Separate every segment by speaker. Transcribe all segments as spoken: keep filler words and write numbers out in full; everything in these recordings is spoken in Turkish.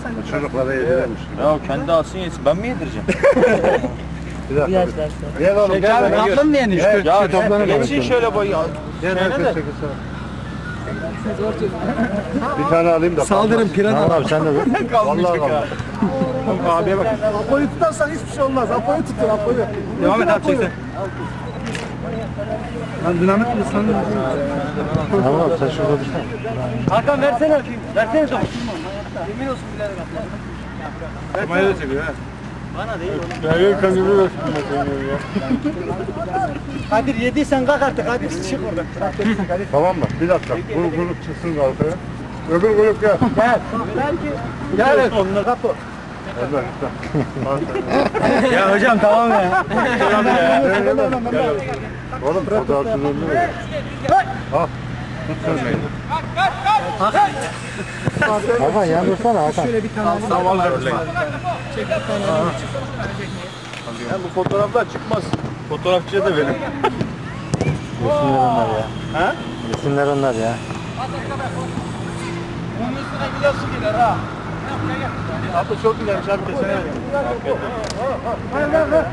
Speaker 1: Çocuklara yediremiş.
Speaker 2: Ya kendi alsın yesin. Ben mi yedireceğim?
Speaker 1: Bir dakika. Gel oğlum gel.
Speaker 2: Tatlım diye ne? Ya geçin şöyle boy.
Speaker 1: Gel herkes çekilsin. Bir tane alayım da.
Speaker 3: Saldırın pirana.
Speaker 1: Abi sen de dur. Vallahi kaldı.
Speaker 3: Abiye bak. Apo'yu tutarsan hiçbir şey olmaz. Apo'yu tutun Apo'yu. Devam et abi çeksen. Lan dinamit mi sandın?
Speaker 1: Tamam abi sen şurada dursana.
Speaker 3: Hakan versene öpeyim. Versene topu. Yemin olsun bilerek atladım.
Speaker 1: Kamerayı da çekiyor ha.
Speaker 3: Bana değil oğlum.
Speaker 1: Ya yok kamerayı da çekiyor ya.
Speaker 3: Kadir yediysen kalk artık. Kadir çık oradan.
Speaker 1: Tamam mı? Bir dakika. Bu grup çıksın kalkaya. Öbür grup gel.
Speaker 3: Gel. Gel. Gel. Kapı.
Speaker 1: Hadi gel.
Speaker 3: Ya hocam tamam ya. Tamam ya.
Speaker 1: Oğlum fotoğrafın önünü ver. Al. Tut sözmeyi. Hakan yan dursana Hakan.
Speaker 3: Şöyle bir tane alayım.
Speaker 2: Tamam öyle.
Speaker 3: Çek bir tane alayım.
Speaker 2: Ya bu fotoğraflar çıkmaz. Fotoğrafçıya da verin.
Speaker 1: Resimler onlar ya.
Speaker 2: Ha?
Speaker 1: Resimler onlar ya.
Speaker 2: Bunun üstüne bile su gider ha. Abla çok güzelmiş abi kesene ver.
Speaker 3: Ver ver ver.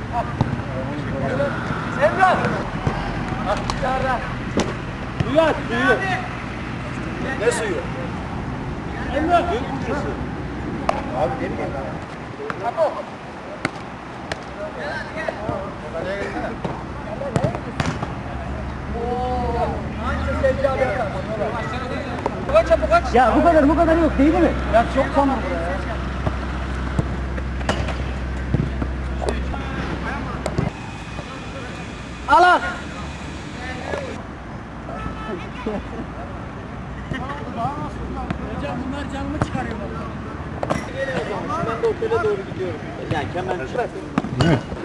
Speaker 3: Emrah. Bak dışarıda. Suyu aç suyu.
Speaker 2: Ne suyu?
Speaker 3: Emrah.
Speaker 2: Abi ne bileyim ben.
Speaker 3: Kapı. Ya bu kadar bu kadar yok değil mi? Ya çok tamam buraya ya. Al al. Hocam bunlar canımı çıkarıyor.
Speaker 2: Ben de otele doğru gidiyorum. Yani kemen.